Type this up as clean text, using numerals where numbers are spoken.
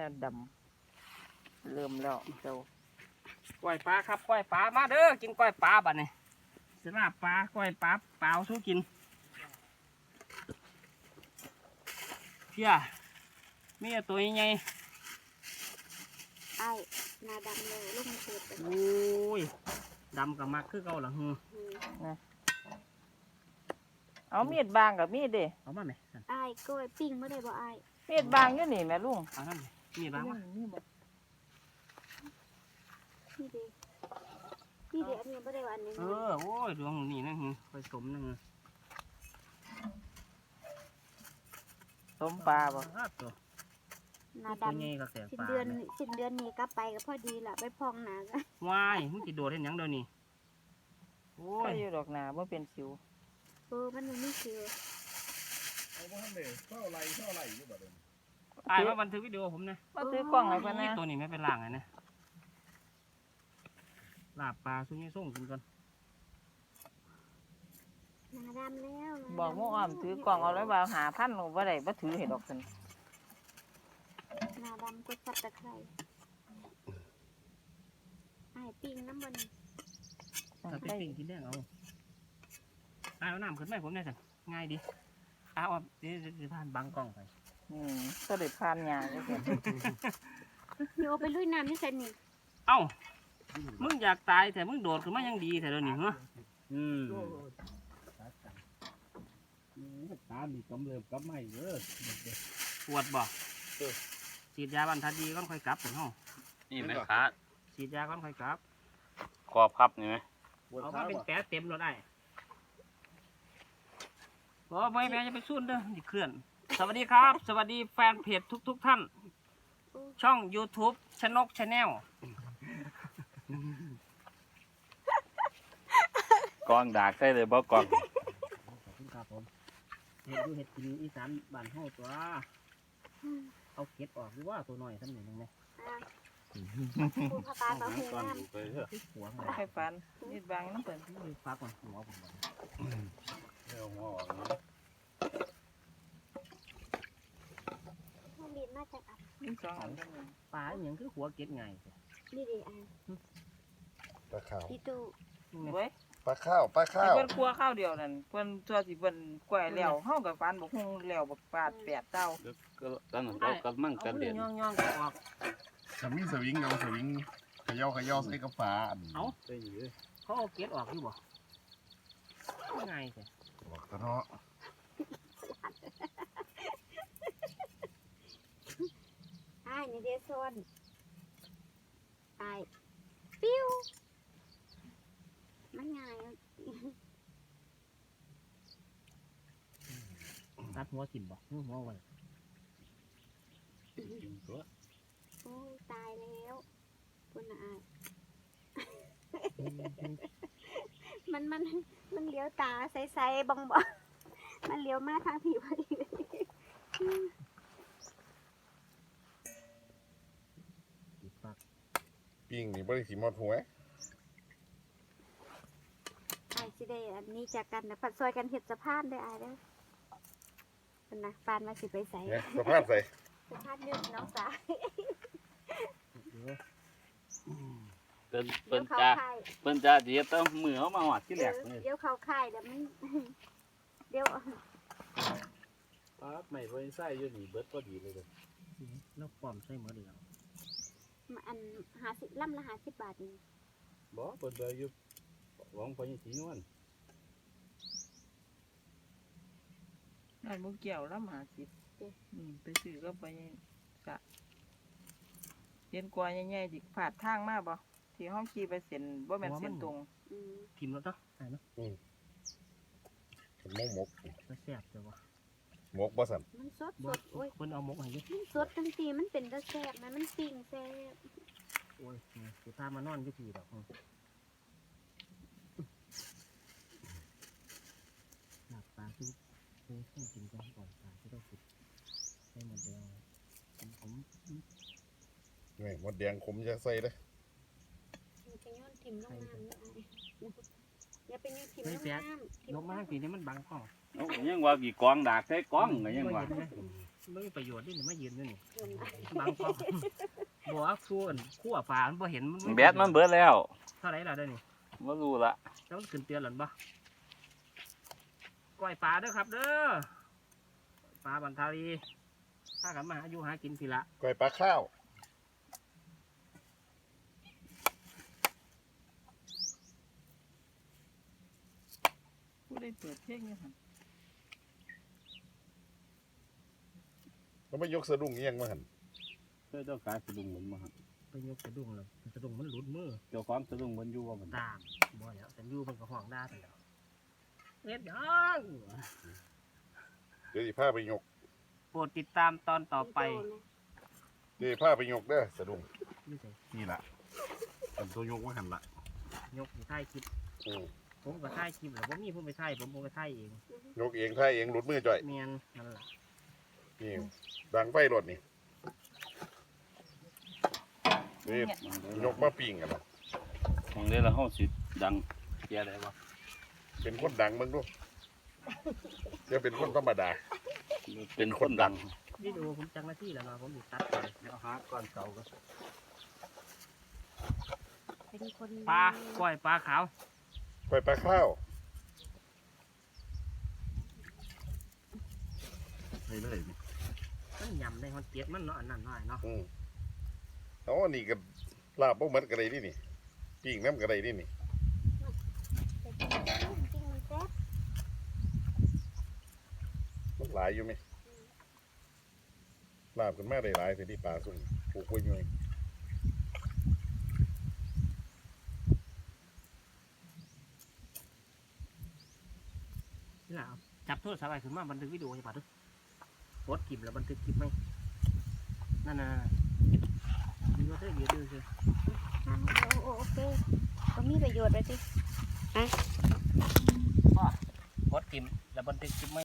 ดำเริ่มแล้วเจ้าก้อยปลาครับก้อยปลามาเด้อกินก้อยปลาบัดนี้สลาบปลาก้อยปลาเปล่าสู้กินเพี้ยมีตัวใหญ่ไอ้นาดำเลยลูกมันเกิดไปโอ้ยดำกับมักคือเก่าหลังหือเอามีดบางกับมีดดิเอามาไหมสั่นไอ้กล้วยปิ้งไม่ได้บ่ไอ้มีดบางอยู่นี่แม่ลุงเอานั่นดิมีบ้างวะนี่บ่นี่เด้นี่เด้อันนี้ไม่ได้ว่าอันนี้โอ้ยดวงนี่นะหือคอยสมนะหือสมปลาบ่ตัวนาตัวดำใหญ่กับแสงสิ้นปลาเดือนนี้กลับไปก็พอดีละไปพองหนากันวายมึงจะโดดเห็นยังเดี๋ยวนี้โอ้ใครยอยู่ดอกหนาบ่เป็นสิวมันไม่เชื่อเอาบ่ทันได้เท่าไรอยู่บัดนี้อายมาบันทึกวิดีโอผมนะมาถือกล้องให้เพิ่นนะตัวนี้ไม่เป็นล่างไงนะลาบปลาซุ้ยส่งกินก่อนนาดำแล้วบอกหมู่อ้อมถือกล้องเอาไว้ว่าหาพันหนูบ่ได้บ่ถือให้ดอกซั่นนาดำก็สับตะไคร้ไอ้ปิ้งน้ำบนถ้าเป็นปิ่งกินได้เอาเอาน้ำขึ้นไหมผมเนี่ยสั่นง่ายดีเอาเดี๋ยวผ่านบังกล้องไปก็ได้ผ่านหญ้าจังซี่โยไปลุยน้ำนี่ใส่นี่เอ้ามึงอยากตายแต่มึงโดดขึ้นมายังดีแต่เดี๋ยวนี้เหรอตามีกำเริบกับไม่เด้อปวดบ่ฉีดยาบรรทัดดีก่อนค่อยกลับถึงห้องนี่ไหมขาฉีดยาก่อนค่อยกลับครอบครับนี่ไหมเอามาเป็นแผลเต็มรถได้บ่ไม่แม่จะไปสู้เด้อดิเคลื่อนสวัสดีครับ สวัสดีแฟนเพจทุกท่าน ช่อง YouTube ชนกชาแนลกองดากใส่เลยบ่กองขอบคุณครับผมเห็ดดูเห็ดกินอีสานบ้านเฮาตัวเอาเก็ดออกหรือว่าตัวน้อยทำหนึ่งนึงไหมผู้พาปลาเขาหูน้ำไปเถอะที่หัวมันให้ฟันมีดบางน้ำเปิ้นนี่ฟ้าก่อนหัวผมก่อนเดี๋ยวหัวออกนะมันบินมาจากอับมีสองอันเท่านั้นปลาอหย่างคือหัวเก็ดไงนี่เด้ไอ้ปลาขาวพี่ตู้เว้ยปลาข้าวปลาให้ข้าวเพิ่นคั่วข้าวเดียวนั่นเพิ่นตัวสิเพิ่นกล้วยแล้วเฮาก็ฟันบ่ฮู้แล้วบ่ปาดแปดเต้าก็ตอนนั้นเรากำลังเอากันมืเด่อน ย่องๆก็ออกสวิงเอาสวิงขย่อใส่กระฝาเอาได้อยู่เลยเขาเอาเก็ดออกอยู่บ่ง่ายแต่บอกตะเนาะไอ้นี่เด้โซนไอ้ปิ้วมันง่ายตัดหัวกินบ่หัวไว้กินตัวโอ้ยตายแล้วคุณนายมันเลี้ยวตาใสๆบองๆมันเลี้ยวมาทางผีพอดีเลยติดปากปิ้งนี่บ่ได้สิหมดหัวไอ้สิได้อันนี้จากกันนะผัดซอยกันเห็ดสะพานได้อไอ้เด้อเป็นนะปานมาสิไปใส่เนี่ยสะพานใส่สะพานยืดน้องสาวเปิ้นเดี๋เปิ้ยนวเขาจ้าค่ายเปิ้นจ้าเดี๋ยวต้องมือเขามาหวัดที่แหลกเลยเดี๋ยวเขาค่ายเดี๋ยวมัน เดี๋ยวปั๊บไม่พอใส่อยู่นี่เบิดพอดีเลยแล้วปลอมใส่หมดเดียวอัน50ล่ำละ50 บาทนี่บ่เปิ้นเบออยู่หวังพอยังสีนวลนั่นบ่เกี่ยวละ50ไปซื้อก็ไปกะเห็นกว่าใหญ่ๆสิผาดทางมาบ่ที่ห้องขี่ไปเส้นบ่แม่นเส้นตรงอืมพิมพ์แล้วเนาะได้เนาะหมกก็แซ่บจ้ะบ่หมกบ่สั่นมันสดโอ้ยคนเอาหมกให้ดิมันสดจังซี่มันเป็นตะแซ่บนะมันปิ้งแซ่บโอ้ยสิพามานอนอยู่ที่ดอกหลับตาทุกต้องกินก่อนตาที่ต้องกินให้หมดเดียวผมนี่หมดแดงขมจะใส่เด้อมันจะโยนถิ่มลงน้ำนี่อย่าไปโยนถิ่มลงน้ำยกมาทางปีนี้มันบังกล้องเอ้ายังว่ากี่กองดากใส่กองก็ยังว่าไม่มีประโยชน์นี่มายืนอยู่นี่เพิ่นบางกองบอกว่าส่วนขั้วปลามันบ่เห็นแบตมันเบิดแล้วเท่าไหร่ล่ะเด้อนี่บ่รู้ละแล้วมันขึ้นเตือนหรือบ่ก้อยปลาเด้อครับเด้อปลาบันทารีถ้ากันมาอายุหากินทีละก้อยปลาข้าวผู้ได้เปิดเพลงอยู่หั่นเขาไม่ยกสะดุ้งเอียงมาหันเพื่อเจ้ากายสะดุ้งเหมือนมาหั่นไปยกสะดุ้งเลยสะดุ้งมันหลุดมือเจ้าของสะดุ้งมันอยู่ว่ามันตามบ่แล้วแต่อยู่มันก็ห้องได้ไปแล้วเอ็ดยังเดี๋ยวสิพาไปยกโปรดติดตามตอนต่อไปเดี๋ยวสิพาไปยกเด้อสะดุ้งนี่สินี่ล่ะเป็นตัวยกมาหันละยกอยู่ท้ายคลิปอืมผมก็ท้ายคลิปแหละผมมีผมไปท้ายผมก็ท้ายเองยกเองท่าเองหลุดมือจ่อยเมียนนั่นแหละนี่ดังไฟรถนี่นี่ยกมาปิ้งกันเนาะของเด้ละเฮาสิดังแก่ได้บ่เป็นคนดังเบิ่งดูจะเป็นคนธรรมดาเป็นคนดังวิดีโอผมจังหน้าที่แล้วเนาะผมอยู่ตัดเลยเดี๋ยวหาก่อนเก่าก็เป็นคนปลาก้อยปลาขาวก้อยปลาข้าวไปเลยนี่มันยำได้มันเจ็ดมันเนาะอันนั้นหน่อยเนาะอืมเอาอันนี้ก็ลาบบ่เหมือนกันเลยนี่ปิ้งน้ำกันเลยนี่จริงมันแซ่บมันหลายอยู่ไหมลาบกันมาได้หลายแต่ที่ปลาสุ่มปลูกไว้อยู่นี่แหละเอาจับโทรศัพท์ไปขึ้นมาบันทึกวิดีโอใช่ปะทุกกดคลิปแล้วบันทึกคลิปไหมนั่นดูว่าเธอเยอะดูสิโอเคก็มีประโยชน์เลยสิกดคลิปแล้วบันทึกคลิปไหม